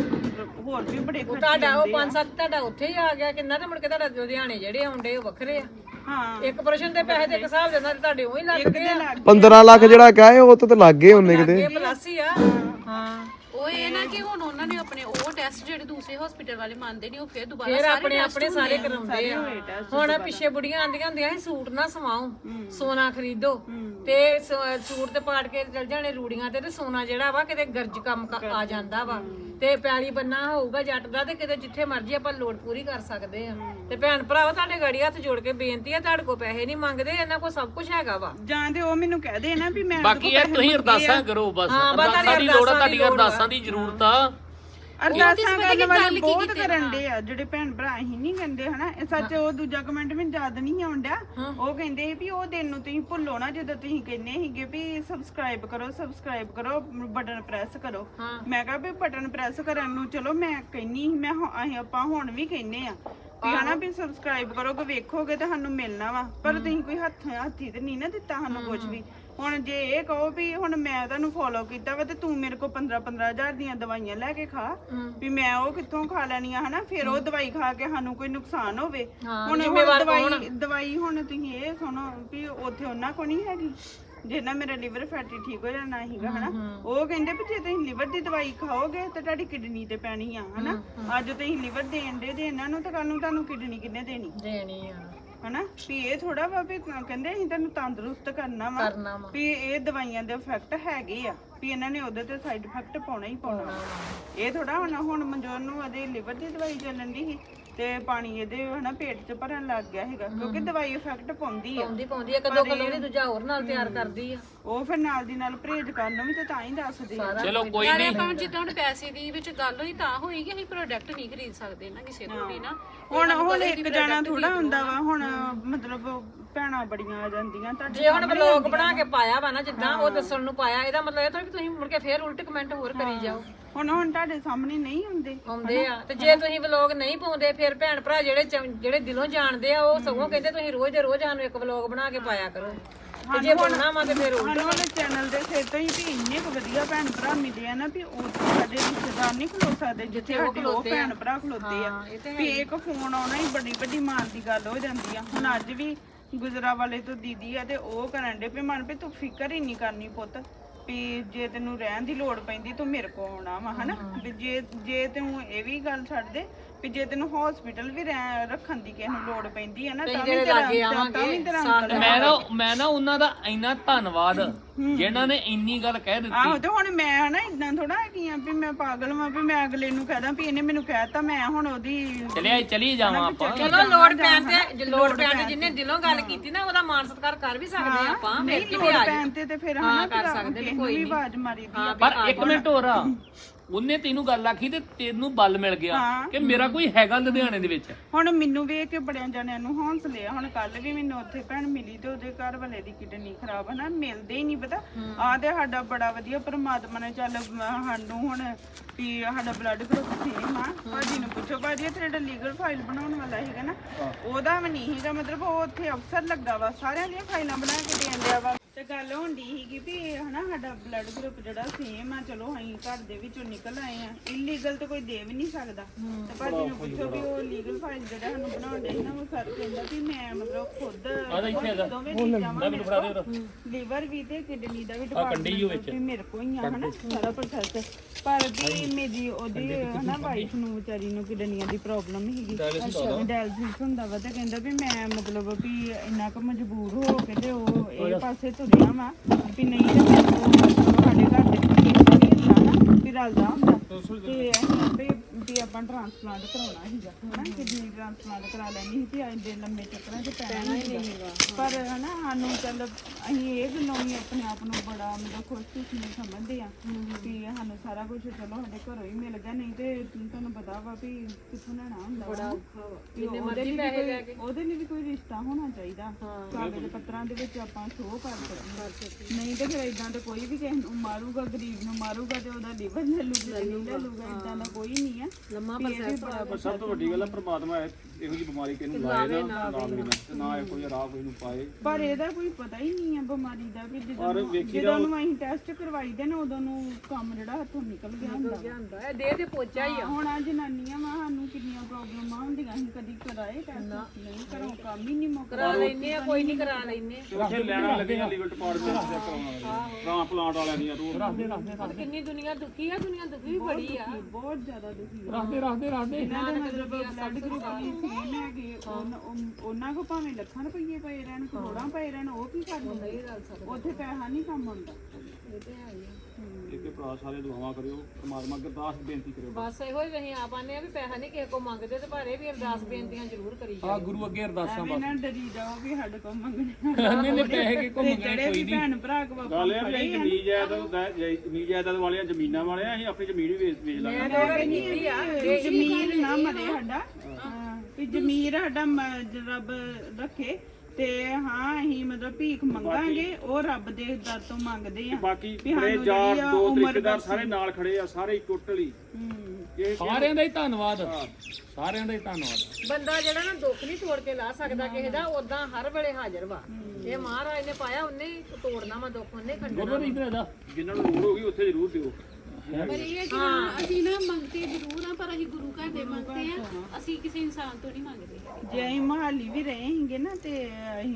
A: ਹੋਰ ਵੀ ਬੜੇ ਖਰਚੇ
C: ਤੁਹਾਡਾ ਉਹ 5-7 ਤੁਹਾਡਾ ਉੱਥੇ ਹੀ ਆ ਗਿਆ ਕਿੰਨਾ ਤੇ ਮੁੜ ਕੇ ਤੁਹਾਡਾ ਲੁਧਿਆਣੇ ਜਿਹੜੇ ਆਉਂਦੇ ਉਹ ਵੱਖਰੇ ਆ।
A: ਹਾਂ
C: ਇੱਕ ਪਰਸਨ ਦੇ ਪੈਸੇ ਦੇ ਇੱਕ ਹਿਸਾਬ ਦੇ ਨਾਲ ਤੁਹਾਡੇ ਉਹੀ ਲੱਗਦੇ ਆ।
E: 15 ਲੱਖ ਜਿਹੜਾ ਕਹੇ ਉਹ ਤਾਂ ਲੱਗ ਗਏ ਉਹਨੇ ਕਿਤੇ
C: ਪਲੱਸ ਹੀ ਆ। ਹਾਂ
D: ਉਹ ਇਹ ਨਾ ਕਿ ਹੁਣ ਉਹਨਾਂ ਨੇ ਆਪਣੇ ਉਹ ਟੈਸਟ ਜਿਹੜੇ ਦੂਸਰੇ ਹਸਪੀਟਲ ਵਾਲੇ ਮੰਨਦੇ ਨਹੀਂ ਉਹ ਫਿਰ ਦੁਬਾਰਾ
C: ਫਿਰ ਆਪਣੇ ਸਾਰੇ ਕਰਾਉਂਦੇ ਆ। ਹੁਣ ਪਿੱਛੇ ਬੁੜੀਆਂ ਆਂਦੀਆਂ ਹੁੰਦੀਆਂ ਸੀ ਸੂਟ ਨਾ ਸਵਾਓ ਸੋਨਾ ਖਰੀਦੋ ਤੇ ਸੂਟ ਤੇ ਪਾੜ ਕੇ ਚਲ ਜਾਣੇ ਰੂੜੀਆਂ ਤੇ ਸੋਨਾ ਜਿਹੜਾ ਵਾ ਕਿਤੇ ਗਰਜ ਕੰਮ ਆ ਜਾਂਦਾ ਵਾ ਤੇ ਪੈਲੀ ਬੰਨਾ ਹੋਊਗਾ ਜੱਟ ਦਾ ਤੇ ਕਿਤੇ ਜਿੱਥੇ ਮਰਜ਼ੀ ਆਪਾਂ ਲੋੜ ਪੂਰੀ ਕਰ ਸਕਦੇ ਆ। ਤੇ ਭੈਣ ਭਰਾਵਾ ਤੁਹਾਡੇ ਗਾੜੀ ਹੱਥ ਜੋੜ ਕੇ ਬੇਨਤੀ ਆ ਤੁਹਾਡੇ ਕੋਲ ਪੈਸੇ ਨਹੀਂ ਮੰਗਦੇ ਇਹਨਾਂ ਕੋਲ ਸਭ ਕੁਝ ਹੈਗਾ ਵਾ।
A: ਜਾਂ ਤੇ ਉਹ ਮੈਨੂੰ ਕਹਦੇ ਨਾ ਵੀ ਮੈਂ
B: ਬਾਕੀ ਯਾਰ ਤੁਸੀਂ ਅਰਦਾਸਾਂ ਕਰੋ ਬਸ ਅਰਦਾਸਾਂ ਦੀ ਲੋੜ ਆ ਤੁਹਾਡੀ ਅਰਦਾਸਾਂ ਦੀ ਜ਼ਰੂਰਤ ਆ।
A: ਅਰਦਾਸਾਂ ਕਰਨ ਵਾਲੇ ਬਹੁਤ ਕਰਨ ਦੇ ਆ ਜਿਹੜੇ ਭੈਣ ਭਰਾ ਹੀ ਨਹੀਂ ਕਹਿੰਦੇ ਹਨਾ। ਇਹ ਸੱਚ ਉਹ ਦੂਜਾ ਕਮੈਂਟ ਮੈਨੂੰ ਯਾਦ ਨਹੀਂ ਆਉਂਦਾ। ਉਹ ਕਹਿੰਦੇ ਵੀ ਉਹ ਦਿਨ ਨੂੰ ਤੁਸੀਂ ਭੁੱਲੋ ਨਾ ਜਦੋਂ ਤੁਸੀਂ ਕਹਿੰਦੇ ਸੀਗੇ ਵੀ ਸਬਸਕ੍ਰਾਈਬ ਕਰੋ ਬਟਨ ਪ੍ਰੈਸ ਕਰੋ। ਮੈਂ ਕਿਹਾ ਵੀ ਬਟਨ ਪ੍ਰੈਸ ਕਰਨ ਨੂੰ ਚਲੋ ਮੈਂ ਕਹਿੰਨੀ ਮੈਂ ਆਪਾਂ ਹੁਣ ਵੀ ਕਹਿੰਨੇ ਆ ਵੀ ਹਨਾ ਵੀ ਸਬਸਕ੍ਰਾਈਬ ਕਰੋਗੇ ਵੇਖੋਗੇ ਤਾਂ ਸਾਨੂੰ ਮਿਲਣਾ ਵਾ। ਪਰ ਤੁਸੀਂ ਕੋਈ ਹੱਥੀ ਤੇ ਨਹੀਂ ਨਾ ਦਿੱਤਾ ਸਾਨੂੰ ਕੁਝ ਵੀ। ਹੁਣ ਜੇ ਇਹ ਕਹੋ ਵੀ ਹੁਣ ਮੈਂ ਤੁਹਾਨੂੰ ਫੋਲੋ ਕੀਤਾ ਵਾ ਤੇ ਤੂੰ ਮੇਰੇ ਕੋਲ 15,000 ਦੀਆਂ ਦਵਾਈਆਂ ਲੈ ਕੇ ਖਾ ਵੀ ਮੈਂ ਉਹ ਕਿੱਥੋਂ ਖਾ ਲੈਣੀਆਂ ਹਨਾ। ਫਿਰ ਉਹ ਦਵਾਈ ਖਾ ਕੇ ਸਾਨੂੰ ਕੋਈ ਨੁਕਸਾਨ ਹੋਵੇ। ਹੁਣ ਦਵਾਈ ਹੁਣ ਤੁਸੀਂ ਇਹ ਸੁਣੋ ਵੀ ਉੱਥੇ ਉਹਨਾਂ ਕੋਲ ਨਹੀਂ ਹੈਗੀ ਜਿਹਨਾਂ ਮੇਰਾ ਲਿਵਰ ਫੈਟੀ ਠੀਕ ਹੋ ਜਾਣਾ ਸੀਗਾ ਹਨਾ। ਉਹ ਕਹਿੰਦੇ ਵੀ ਜੇ ਤੁਸੀਂ ਲਿਵਰ ਦੀ ਦਵਾਈ ਖਾਓਗੇ ਤਾਂ ਤੁਹਾਡੀ ਕਿਡਨੀ ਤੇ ਪੈਣੀ ਆ ਹਨਾ। ਅੱਜ ਤੁਸੀਂ ਲਿਵਰ ਦੇਣ ਦੇ ਇਹਨਾਂ ਨੂੰ ਤਾਂ ਕੱਲ ਨੂੰ ਤੁਹਾਨੂੰ ਕਿਡਨੀ ਕਿੰਨੇ ਦੇਣੀ
C: ਆ
A: ਹਨਾ। ਵੀ ਇਹ ਥੋੜਾ ਵਾ ਵੀ ਕਹਿੰਦੇ ਅਸੀਂ ਤੁਹਾਨੂੰ ਤੰਦਰੁਸਤ ਕਰਨਾ ਵਾ ਵੀ ਇਹ ਦਵਾਈਆਂ ਦੇ ਇਫੈਕਟ ਹੈਗੇ ਆ ਵੀ ਇਹਨਾਂ ਨੇ ਉਹਦੇ ਤੇ ਸਾਈਡ ਇਫੈਕਟ ਪਾਉਣਾ ਹੀ ਪਾਉਣਾ। ਇਹ ਥੋੜਾ ਹੁਣ ਮਨਜੋਤ ਨੂੰ ਉਹਦੇ ਲਿਵਰ ਦੀ ਦਵਾਈ ਚੱਲਣ ਦੀ ਸੀ ਤੇ ਪਾਣੀ ਇਹਦੇ ਹਨਾ ਪੇਟ 'ਚ ਭਰਨ ਲੱਗ ਗਿਆ ਹੈਗਾ ਕਿਉਂਕਿ ਦਵਾਈ ਇਫੈਕਟ ਪਾਉਂਦੀ ਆ
C: ਪਾਉਂਦੀ ਇੱਕ ਦੋ ਕਿਲੋ ਦੂਜਾ ਹੋਰ ਨਾਲ ਤਿਆਰ ਕਰਦੀ ਆ
A: ਉਹ ਫਿਰ ਨਾਲ ਦੀ ਨਾਲ ਪਰਹੇਜ਼ ਕਰਨ ਨੂੰ ਵੀ ਤੇ ਤਾਂ ਹੀ ਦੱਸਦੇ ਆ
B: ਚਲੋ ਕੋਈ
D: ਨਾਲੇ
B: ਨਹੀਂ
D: ਆਪਾਂ ਜਿੱਦਾਂ ਹੁਣ ਪੈਸੇ ਦੀ ਵਿੱਚ ਗੱਲ ਹੋਈ ਤਾਂ ਹੋਈ ਕਿ ਅਸੀਂ ਪ੍ਰੋਡਕਟ ਨਹੀਂ ਖਰੀਦ ਸਕਦੇ ਨਾ ਕਿਸੇ ਤੋਂ ਵੀ ਨਾ
A: ਹੁਣ ਇੱਕ ਜਾਣਾ ਥੋੜਾ ਹੁੰਦਾ ਵਾ ਹੁਣ ਮਤਲਬ ਭੈਣਾਂ ਬੜੀਆਂ ਆ ਜਾਂਦੀਆਂ ਤੁਹਾਡੇ
C: ਜੇ ਹੁਣ ਵਲੌਗ ਬਣਾ ਕੇ ਪਾਇਆ ਵਾ ਨਾ ਜਿੱਦਾਂ ਉਹ ਦੱਸਣ ਨੂੰ ਪਾਇਆ ਇਹਦਾ ਮਤਲਬ ਇਹ ਤਾਂ ਤੁਸੀਂ ਮੁੜ ਕੇ ਫੇਰ ਉਲਟ ਕਮੈਂਟ ਹੋਰ ਕਰੀ ਜਾਓ
A: ਹੁਣ ਤੁਹਾਡੇ ਸਾਹਮਣੇ ਨਹੀਂ
C: ਆਉਂਦੇ ਆ ਤੇ ਜੇ ਤੁਸੀਂ ਵਲੌਗ ਨਹੀਂ ਪਾਉਂਦੇ ਫਿਰ ਭੈਣ ਭਰਾ ਜਿਹੜੇ ਦਿਲੋਂ ਜਾਣਦੇ ਆ ਉਹ ਸਗੋਂ ਕਹਿੰਦੇ ਤੁਸੀਂ ਰੋਜ਼ ਦੇ ਰੋਜ਼ ਸਾਨੂੰ ਇੱਕ ਵਲੌਗ ਬਣਾ ਕੇ ਪਾਇਆ ਕਰੋ ਤੇ ਜੇ ਬਣਨਾ ਵਾ ਤੇ ਫਿਰ
A: ਸਾਨੂੰ ਵਾਲੇ ਚੈਨਲ ਦੇ ਸਿਰ ਤੋਂ ਹੀ ਵੀ ਇੰਨੇ ਕੁ ਵਧੀਆ ਭੈਣ ਭਰਾ ਮਿਲੇ ਆ ਨਾ ਵੀ ਉਹ ਸਾਡੇ ਰਿਸ਼ਤੇਦਾਰ ਨਹੀਂ ਖਲੋ ਸਕਦੇ ਜਿੱਥੇ ਸਾਡੇ ਉਹ ਭੈਣ ਭਰਾ ਖਲੋਤੇ ਆ ਵੀ ਇੱਕ ਫੋਨ ਆਉਣਾ ਹੀ ਬੜੀ ਵੱਡੀ ਮਾਨ ਦੀ ਗੱਲ ਹੋ ਜਾਂਦੀ ਆ ਹੁਣ ਅੱਜ ਵੀ ਗੁਜਰਾ ਵਾਲੇ ਤੋਂ ਦੀਦੀ ਆ ਤੇ ਉਹ ਕਰਨ ਦੇ ਵੀ ਮਨ ਵੀ ਤੂੰ ਫਿਕਰ ਹੀ ਨਹੀਂ ਕਰਨੀ ਪੁੱਤ ਵੀ ਜੇ ਤੈਨੂੰ ਰਹਿਣ ਦੀ ਲੋੜ ਪੈਂਦੀ ਤੂੰ ਮੇਰੇ ਕੋਲ ਆਉਣਾ ਵਾ ਹਨਾ ਵੀ ਜੇ ਤੂੰ ਇਹ ਵੀ ਗੱਲ ਛੱਡ ਦੇ ਵੀ ਜੇ ਤੈਨੂੰ ਹਸਪੀਟਲ ਵੀ ਰੱਖਣ ਦੀ ਕਿਸੇ ਨੂੰ ਲੋੜ ਪੈਂਦੀ ਹੈ ਨਾ ਤਾਂ ਵੀ
B: ਮੈਂ ਨਾ ਉਹਨਾਂ ਦਾ ਇੰਨਾ ਧੰਨਵਾਦ ਜਿਨ੍ਹਾਂ ਨੇ ਇੰਨੀ ਗੱਲ ਕਹਿ ਦਿੱਤੀ
A: ਆਹੋ ਤੇ ਹੁਣ ਮੈਂ ਨਾ ਇਦਾਂ ਥੋੜਾ ਹੈਗੀ ਆ ਵੀ ਮੈਂ ਪਾਗਲ ਵਾਂ ਵੀ ਮੈਂ ਅਗਲੇ ਨੂੰ ਕਹਦਾ ਵੀ ਇਹਨੇ ਮੈਨੂੰ ਕਹਿਤਾ ਮੈਂ ਹੁਣ ਉਹਦੀ
B: ਚਲੀ ਜਾਵਾਂ ਆਪਾਂ
C: ਚਲੋ ਲੋੜ ਪੈਣ ਤੇ ਜਿੰਨੇ ਦਿਲੋਂ ਗੱਲ ਕੀਤੀ ਨਾ ਉਹਦਾ ਮਾਨ ਸਤਿਕਾਰ ਕਰ ਵੀ ਸਕਦੇ ਆ ਆਪਾਂ
A: ਨਹੀਂ ਲੋੜ ਪੈਣ ਤੇ ਫਿਰ ਹਨਾ ਕਰ ਸਕਦੇ ਨੇ ਕੋਈ ਨਹੀਂ ਆਵਾਜ਼ ਮਾਰੀ ਦੀ
B: ਪਰ ਇੱਕ ਮਿੰਟ ਹੋਰ ਆ ਉਹਨੇ ਤੈਨੂੰ ਗੱਲ ਆਖੀ ਤੇ ਤੈਨੂੰ ਬਲ ਮਿਲ ਗਿਆ ਕਿ ਮੇਰਾ ਕੋਈ ਹੈਗਾ ਲੁਧਿਆਣੇ ਦੇ ਵਿੱਚ
A: ਹੁਣ ਮੈਨੂੰ ਵੇਖ ਕੇ ਬੜਿਆਂ ਜਣਿਆਂ ਨੂੰ ਹੌਸਲੇ ਆ ਹੁਣ ਕੱਲ ਵੀ ਮੈਨੂੰ ਉੱਥੇ ਭੈਣ ਮਿਲੀ ਤੇ ਉਹਦੇ ਘਰ ਵਾਲੇ ਦੀ ਕਿਡਨੀ ਖਰਾਬ ਹੈ ਨਾ ਮਿਲਦੇ ਹੀ ਨਹੀਂ ਪਤਾ ਆਹ ਤੇ ਸਾਡਾ ਬੜਾ ਵਧੀਆ ਪਰਮਾਤਮਾ ਨੇ ਚੱਲ ਸਾਨੂੰ ਹੁਣ ਵੀ ਸਾਡਾ ਬਲੱਡ ਗਰੁੱਪ ਸੇਮ ਆ ਭਾਜੀ ਨੂੰ ਪੁੱਛੋ ਭਾਜੀ ਤੇਰਾ ਲੀਗਲ ਫਾਈਲ ਬਣਾਉਣ ਵਾਲਾ ਹੈਗਾ ਨਾ ਉਹਦਾ ਵੀ ਨਹੀਂ ਹੈਗਾ ਮਤਲਬ ਉਹ ਉੱਥੇ ਅਫਸਰ ਲੱਗਾ ਵਾ ਸਾਰਿਆਂ ਦੀਆਂ ਫਾਈਲਾਂ ਬਣਾ ਕੇ ਦੇਣ ਦਿਆ ਵਾ ਤੇ ਗੱਲ ਹੁੰਦੀ ਸੀਗੀ ਵੀ ਹਨਾ ਸਾਡਾ ਬਲੱਡ ਗਰੁੱਪ ਜਿਹੜਾ ਸੇਮ ਆ ਚਲੋ ਅਸੀਂ ਘਰ ਦੇ ਵਿੱਚੋਂ ਨਿਕਲ ਆਏ ਆ ਇਲੀਗਲ ਤੇ ਕੋਈ ਦੇ ਵੀ ਨਹੀਂ ਸਕਦਾ ਤੇ ਭਾਜੀ ਨੂੰ ਪੁੱਛੋ ਵੀ ਉਹ ਲੀਗਲ ਫਾਈਲ ਜਿਹੜਾ ਸਾਨੂੰ ਬਣਾਉਣ ਦੇ ਨਾ ਉਹ ਸਰ ਕਹਿੰਦਾ ਵੀ ਮੈਂ ਮਤਲਬ ਖੁਦ ਦੋਵੇਂ ਚੀਜ਼ਾਂ ਲੀਵਰ ਵੀ ਤੇ ਕਿਡਨੀ ਦਾ ਵੀ ਡਿਪਾਰਟਮੈਂਟ ਵੀ ਮੇਰੇ ਕੋਲ ਹੀ ਆ ਹਨਾ ਸਾਰਾ ਪ੍ਰੋਸੈਸ ਪਰ ਵੀ ਮੇਰੀ ਉਹਦੀ ਹਨਾ ਵਾਈਫ ਨੂੰ ਵਿਚਾਰੀ ਨੂੰ ਕਿਡਨੀਆਂ ਦੀ ਪ੍ਰੋਬਲਮ ਸੀਗੀ ਡਾਇਲਿਸਿਸ ਹੁੰਦਾ ਵਾ ਤੇ ਕਹਿੰਦਾ ਵੀ ਮੈਂ ਮਤਲਬ ਵੀ ਇੰਨਾ ਕੁ ਮਜਬੂਰ ਹੋ ਕੇ ਤੇ ਉਹ ਇਹ ਪਾਸੇ ਤੁਰਿਆ ਵਾ ਵੀ ਨਹੀਂ ਤੇ ਸਾਡੇ ਘਰ ਦੇ ਵਿੱਚ ਹੁੰਦਾ ਨਾ ਵੀ ਰਲਦਾ ਹੁੰਦਾ ਤੇ ਅਸੀਂ ਵੀ ਆਪਾਂ ਟ੍ਰਾਂਸਪਲਾਂਟ ਕਰਾਉਣਾ ਸੀਗਾ ਹਨਾ ਕਿਡਨੀ ਟ੍ਰਾਂਸਪਲਾਂਟ ਕਰਾ ਲੈਣੀ ਸੀ ਤੇ ਅੱਜ ਦੇ ਲੰਮੇ ਚੱਕਰਾਂ 'ਚ ਪੈਣਾ ਹੀ ਨਹੀਂਗਾ ਪਰ ਹਨਾ ਸਾਨੂੰ ਚੱਲ ਅਸੀਂ ਇਹ ਗੱਲੋਂ ਵੀ ਆਪਣੇ ਆਪ ਨੂੰ ਬੜਾ ਮਤਲਬ ਖੁਸ਼ਕਿਸਮਤ ਸਮਝਦੇ ਆ ਵੀ ਸਾਨੂੰ ਸਾਰਾ ਕੁਝ ਚਲੋ ਸਾਡੇ ਘਰੋਂ ਹੀ ਮਿਲ ਗਿਆ ਨਹੀਂ ਤੇ ਤੁਹਾਨੂੰ ਪਤਾ ਵਾ ਵੀ ਕਿੱਥੋਂ ਲੈਣਾ ਹੁੰਦਾ ਬੜਾ ਔਖਾ ਵਾ ਉਹਦੇ ਲਈ ਵੀ ਕੋਈ ਰਿਸ਼ਤਾ ਹੋਣਾ ਚਾਹੀਦਾ ਕਾਗਜ਼ ਪੱਤਰਾਂ ਦੇ ਵਿੱਚ ਆਪਾਂ ਸ਼ੋਅ ਕਰ ਸਕਦੇ ਨਹੀਂ ਤੇ ਫਿਰ ਇਦਾਂ ਤੇ ਕੋਈ ਵੀ ਕਿਸੇ ਨੂੰ ਮਾਰੂਗਾ ਗਰੀਬ ਨੂੰ ਮਾਰੂਗਾ ਤੇ ਉਹਦਾ ਲੀਵਰ ਲੈ ਲੂਗਾ ਇਦਾਂ ਦਾ ਕੋਈ ਨਹੀਂ ਆ ਲੰਮਾ
F: ਪਰ ਸਭ ਤੋਂ ਵੱਡੀ ਗੱਲ ਹੈ ਪ੍ਰਮਾਤਮਾ ਇਹੋ ਜਿਹੀ ਬਿਮਾਰੀ ਕਿਹਨੂੰ ਲਾਏ ਨਾ ਨਾ ਇਹ ਕੋਈ ਰਾਹ ਕੋਈ ਨੂੰ ਪਾਏ
A: ਪਰ ਇਹਦਾ ਕੋਈ ਪਤਾ ਹੀ ਨਹੀਂ ਆ ਬਿਮਾਰੀ ਦਾ ਵੀ ਜਦੋਂ ਨੂੰ ਅਸੀਂ ਟੈਸਟ ਕਰਵਾਈ ਦੇ ਨਾ ਉਦੋਂ ਨੂੰ ਕੰਮ ਜਿਹੜਾ ਹੱਥੋਂ ਨਿਕਲ ਗਿਆ ਹੁੰਦਾ
C: ਇਹ ਦੇਹ ਤੇ ਪੋਚਾ ਹੀ ਆ
A: ਹੁਣ ਆ ਜਨਾਨੀਆਂ ਵਾ ਸਾਨੂੰ ਕਿੰਨੀਆਂ ਪ੍ਰੋਬਲਮਾਂ ਹੁੰਦੀਆਂ ਅਸੀਂ ਕਦੀ ਕਰਾਏ ਟੈਸਟ ਨਹੀਂ ਕਰੋ ਕੰਮ ਹੀ ਨਹੀਂ ਮੁੱਕਦਾ
C: ਲੈਨੇ ਆ ਕੋਈ ਨਹੀਂ ਕਰਾ ਲੈਨੇ
F: ਉੱਥੇ ਲੈਣਾ ਲੱਗੀਆਂ ਲੀਗਲ ਡਿਪਾਰਟਮੈਂਟ ਦੇ ਕਰਾਉਣਾ ਟ੍ਰਾਂਸਪਲਾਂਟ ਵਾਲਿਆਂ ਦੀਆਂ ਰੋਜ਼
C: ਕਿੰਨੀ ਦੁਨੀਆ ਦੁਖੀ ਆ ਦੁਨੀਆ ਦੁਖੀ ਵੀ ਬੜੀ ਆ
A: ਬਹੁਤ ਜ਼ਿਆਦਾ ਦੁਖੀ ਆ ਇਹਨਾਂ ਦੇ ਮਤਲਬ ਬਲੱਡ ਗਰੁੱਪ ਦੀ ਸੇਮ ਹੈਗੇ ਉਹਨਾਂ ਕੋ ਭਾਵੇਂ ਲੱਖਾਂ ਰੁਪਏ ਪਏ ਰਹਿਣ ਕਰੋੜਾਂ ਪਏ ਰਹਿਣ ਉਹ ਕੀ ਕਰਦੇ ਉੱਥੇ ਪੈਸਾ ਨਹੀਂ ਕੰਮ ਆਉਂਦਾ ਇਹ ਤੇ ਹੈ ਹੀ
F: ਇੱਕ ਭਰਾ ਸਾਰੇ ਦੁਆਵਾਂ ਕਰਿਓ ਪਰਮਾਤਮਾ ਅੱਗੇ ਅਰਦਾਸ ਬੇਨਤੀ ਕਰਿਓ
C: ਬਸ ਇਹੋ ਹੀ ਅਸੀਂ ਆਪ ਆਨੇ ਆ ਵੀ ਪੈਸਾ ਨਹੀਂ ਕਿਸੇ ਕੋ ਮੰਗਦੇ ਤੇ ਪਰ ਇਹ ਵੀ ਅਰਦਾਸ ਬੇਨਤੀਆਂ ਜ਼ਰੂਰ ਕਰੀ ਜਾਓ
F: ਗੁਰੂ ਅੱਗੇ ਅਰਦਾਸਾਂ
A: ਐਵੇਂ ਨਾ ਡਰੀ ਜਾਓ ਵੀ ਸਾਡੇ ਕੋਲ ਮੰਗਣੇ
F: ਨਹੀਂ ਪੈਸੇ ਕਿ ਕੋ
A: ਜਿਹੜੇ ਵੀ ਭੈਣ ਭਰਾ ਕੋ
F: ਗੱਲ ਇਹ ਵੀ ਜ਼ਮੀਨ ਜਾਇਦਾਦ ਵਾਲਿਆਂ ਜ਼ਮੀਨਾਂ ਵਾਲਿਆਂ ਅਸੀਂ ਆਪਣੀ ਜ਼ਮੀਨ ਵੀ ਵੇਚ ਲਾਂਗੇ
A: ਜ਼ਮੀਰ ਨਾ ਮਰੇ ਸਾਡਾ ਵੀ ਜ਼ਮੀਰ ਸਾਡਾ ਰੱਬ ਰੱਖੇ ਤੇ ਹਾਂ ਅਸੀਂ ਮਤਲਬ ਭੀਖ ਮੰਗਾਂਗੇ ਉਹ ਰੱਬ ਦੇ ਦਰ ਤੋਂ ਮੰਗਦੇ ਆ
F: ਬਾਕੀ ਮੇਰੇ ਯਾਰ ਦੋ ਤਰੀਕੇਦਾਰ ਸਾਰੇ ਨਾਲ ਖੜੇ ਆ ਸਾਰੇ ਟੋਟਲੀ
B: ਸਾਰਿਆਂ ਦਾ ਹੀ ਧੰਨਵਾਦ ਸਾਰਿਆਂ ਦਾ ਹੀ ਧੰਨਵਾਦ
C: ਬੰਦਾ ਜਿਹੜਾ ਨਾ ਦੁੱਖ ਨਹੀਂ ਤੋੜ ਕੇ ਲਾ ਸਕਦਾ ਕਿਸੇ ਦਾ ਉਦਾਂ ਹਰ ਵੇਲੇ ਹਾਜ਼ਰ ਵਾ ਇਹ ਮਹਾਰਾਜ ਨੇ ਪਾਇਆ ਉਹਨੇ ਤੋੜਨਾ ਵਾ ਦੁੱਖ ਉਹਨੇ ਖੰਡਣਾ
F: ਜਿਨ੍ਹਾਂ ਨੂੰ ਲੋੜ ਹੋਗੀ ਉੱਥੇ ਜ਼ਰੂਰ ਦਿਓ
D: ਪਰ ਇਹ ਹੈ ਕਿ ਅਸੀਂ ਨਾ ਮੰਗਤੇ ਜ਼ਰੂਰ ਆ ਪਰ ਅਸੀਂ ਗੁਰੂ ਘਰ ਦੇ ਮੰਗਤੇ ਆ ਅਸੀਂ ਕਿਸੇ ਇਨਸਾਨ ਤੋਂ ਨਹੀਂ ਮੰਗਦੇ
A: ਜੇ ਅਸੀਂ ਮਹਾਲੀ ਵੀ ਰਹੇ ਹੀਗੇ ਨਾ ਤੇ ਅਸੀਂ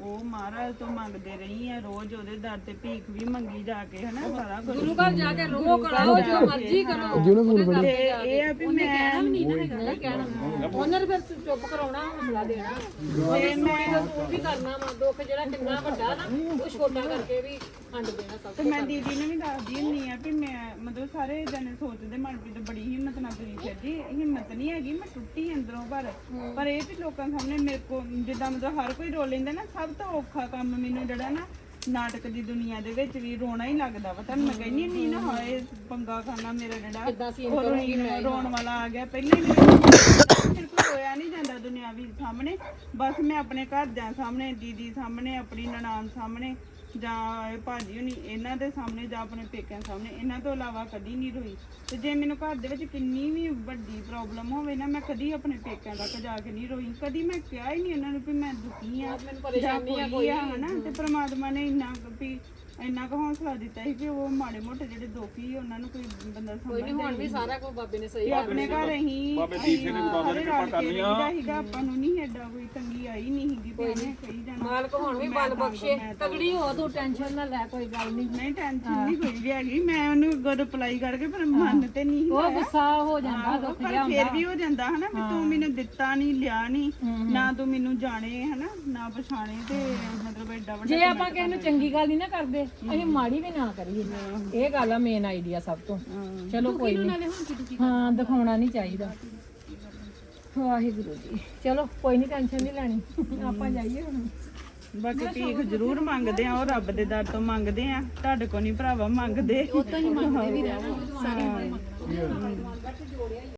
A: ਉਹ ਮਹਾਰਾਜ ਤੋਂ ਮੰਗਦੇ ਰਹੀ ਆ ਰੋਜ਼ ਉਹਦੇ ਦਰ ਤੇ ਭੀਖ ਵੀ ਮੰਗੀ ਜਾ ਕੇ ਹਨਾ ਸਾਰਾ ਕੁਝ
C: ਗੁਰੂ ਘਰ ਜਾ ਕੇ ਰੋ ਕਰਾਓ ਜੋ ਮਰਜ਼ੀ ਕਰੋ
A: ਤੇ ਇਹ ਆ ਵੀ ਮੈਂ
C: ਨਹੀਂ ਕਹਿਣਾ ਉਹਨਾਂ ਨੇ ਫਿਰ ਚੁੱਪ ਕਰਾਉਣਾ ਹੌਸਲਾ ਦੇਣਾ ਤੇ ਮੈਂ ਸੂਟ ਵੀ ਕਰਨਾ ਵਾ ਦੁੱਖ ਜਿਹੜਾ ਕਿੰਨਾ ਵੱਡਾ ਨਾ ਉਹ ਛੋਟਾ ਕਰਕੇ ਵੀ ਹੰਡ ਦੇਣਾ ਸਭ
A: ਤੇ ਮੈਂ ਦੀਦੀ ਨੂੰ ਵੀ ਦੱਸਦੀ ਹੁੰਦੀ ਆ ਵੀ ਮੈਂ ਮਤਲਬ ਸਾਰੇ ਜਣੇ ਸੋਚਦੇ ਮਨਪ੍ਰੀਤ ਬੜੀ ਹਿੰਮਤ ਨਾਲ ਤੁਰੀ ਫਿਰਦੀ ਹਿੰਮਤ ਨਹੀਂ ਹੈਗੀ ਮੈਂ ਟੁੱਟੀ ਅੰਦਰੋਂ ਪਰ ਇਹ ਵੀ ਲੋਕਾਂ ਸਾਹਮਣੇ ਮੇਰੇ ਕੋ ਜਿੱਦਾਂ ਮਤਲਬ ਹਰ ਕੋਈ ਰੋ ਲੈਂਦਾ ਨਾ ਸਭ ਤੋਂ ਔਖਾ ਕੰਮ ਮੈਨੂੰ ਜਿਹੜਾ ਨਾ ਨਾਟਕ ਦੀ ਦੁਨੀਆ ਦੇ ਵਿੱਚ ਵੀ ਰੋਣਾ ਹੀ ਲੱਗਦਾ ਵਾ ਤੁਹਾਨੂੰ ਮੈਂ ਕਹਿੰਦੀ ਨਹੀਂ ਨਾ ਹਾਏ ਪੰਗਾ ਖਾਨਾ ਮੇਰਾ ਜਿਹੜਾ ਰੋਣ ਵਾਲਾ ਆ ਗਿਆ ਪਹਿਲਾਂ ਹੀ ਮੇਰੇ ਕੋਲ ਰੋਇਆ ਨਹੀਂ ਜਾਂਦਾ ਦੁਨਿਆਵੀ ਸਾਹਮਣੇ ਬਸ ਮੈਂ ਆਪਣੇ ਘਰਦਿਆਂ ਸਾਹਮਣੇ ਦੀਦੀ ਸਾਹਮਣੇ ਆਪਣੀ ਨਨਾਣ ਸਾਹਮਣੇ ਜਾਂ ਭਾਜੀ ਹੁਣੀ ਇਹਨਾਂ ਦੇ ਸਾਹਮਣੇ ਜਾਂ ਆਪਣੇ ਪੇਕਿਆਂ ਸਾਹਮਣੇ ਇਹਨਾਂ ਤੋਂ ਇਲਾਵਾ ਕਦੀ ਨਹੀਂ ਰੋਈ ਤੇ ਜੇ ਮੈਨੂੰ ਘਰ ਦੇ ਵਿੱਚ ਕਿੰਨੀ ਵੀ ਵੱਡੀ ਪ੍ਰੋਬਲਮ ਹੋਵੇ ਨਾ ਮੈਂ ਕਦੀ ਆਪਣੇ ਪੇਕਿਆਂ ਤੱਕ ਜਾ ਕੇ ਨਹੀਂ ਰੋਈ ਕਦੀ ਮੈਂ ਕਿਹਾ ਹੀ ਨਹੀਂ ਇਹਨਾਂ ਨੂੰ ਵੀ ਮੈਂ ਦੁਖੀ ਆ ਜਾਂ ਕੋਈ ਆ ਹਨਾ ਤੇ ਪ੍ਰਮਾਤਮਾ ਨੇ ਇੰਨਾ ਵੀ ਇੰਨਾ ਕੁ ਹੌਸਲਾ ਦਿੱਤਾ ਸੀ ਕਿ ਉਹ ਮਾੜੇ ਮੋਟੇ ਜਿਹੜੇ ਦੁਖੀ ਉਹਨਾਂ ਨੂੰ ਕੋਈ ਬੰਦਾ ਸਮਝਦਾ
C: ਹੁਣ ਵੀ ਸਾਰਾ ਕੁਝ ਬਾਬੇ ਨੇ ਸਹੀ
A: ਆਪਣੇ ਘਰ ਅਸੀਂ
F: ਬਾਬੇ ਦੀਪ ਸਿੰਘ ਨੇ ਬਾਬਾ ਨੇ ਕਿਰਪਾ ਕਰ ਲਿਆ
A: ਸੀਗਾ ਆਪਾਂ ਨੂੰ ਨਹੀਂ ਐਡਾ ਕੋਈ ਤੰਗੀ ਆਈ ਨਹੀਂ ਸੀਗੀ ਤੇ ਇਹਨੇ ਕਹੀ ਜਾਣਾ
C: ਮਾਲਕ ਹੁਣ ਵੀ ਬਲ ਬਖਸ਼ੇ ਤਗੜੀ ਹੋ ਤੂੰ ਟੈਨਸ਼ਨ ਨਾ ਲੈ ਕੋਈ ਗੱਲ ਨਹੀਂ
A: ਨਹੀਂ ਟੈਨਸ਼ਨ ਨਹੀਂ ਕੋਈ ਵੀ ਹੈਗੀ ਮੈਂ ਉਹਨੂੰ ਅੱਗੋਂ ਰਿਪਲਾਈ ਕਰਕੇ ਪਰ ਮਨ ਤੇ ਨਹੀਂ
C: ਉਹ ਗੁੱਸਾ ਹੋ ਜਾਂਦਾ ਦੁੱਖ
A: ਪਰ ਫੇਰ ਵੀ ਹੋ ਜਾਂਦਾ ਹਨਾ ਵੀ ਤੂੰ ਮੈਨੂੰ ਦਿੱਤਾ ਨਹੀਂ ਲਿਆ ਨਹੀਂ ਨਾ ਤੂੰ ਮੈਨੂੰ ਜਾਣੇ ਹਨਾ ਨਾ ਪਛਾਣੇ ਤੇ ਮਤਲਬ ਐਡਾ ਵੱਡਾ
C: ਜੇ ਆਪਾਂ ਕਿਸੇ ਨੂੰ ਚੰਗੀ ਗੱਲ ਨਹੀਂ ਨਾ ਕਰਦੇ ਅਸੀਂ ਮਾੜੀ ਵੀ ਨਾ ਕਰੀਏ ਇਹ ਗੱਲ ਆ ਮੇਨ ਆਈਡੀਆ ਸਭ ਤੋਂ ਚਲੋ ਕੋਈ ਨਹੀਂ ਹਾਂ ਦਿਖਾਉਣਾ ਨਹੀਂ ਚਾਹੀਦਾ ਵਾਹਿਗੁਰੂ ਜੀ ਚਲੋ ਕੋਈ ਨਹੀਂ ਟੈਨਸ਼ਨ ਨਹੀਂ ਲੈਣੀ ਆਪਾਂ ਜਾਈਏ ਹੁਣ
A: ਬਾਕੀ ਭੀਖ ਜ਼ਰੂਰ ਮੰਗਦੇ ਆ ਉਹ ਰੱਬ ਦੇ ਦਰ ਤੋਂ ਮੰਗਦੇ ਆ ਤੁਹਾਡੇ ਕੋ ਨਹੀਂ ਭਰਾਵਾ ਮੰਗਦੇ ਉਹ ਤਾਂ ਹੀ ਮੰਗਦੇ ਵੀ ਰਹਿਣਾ ਸਾਰੇ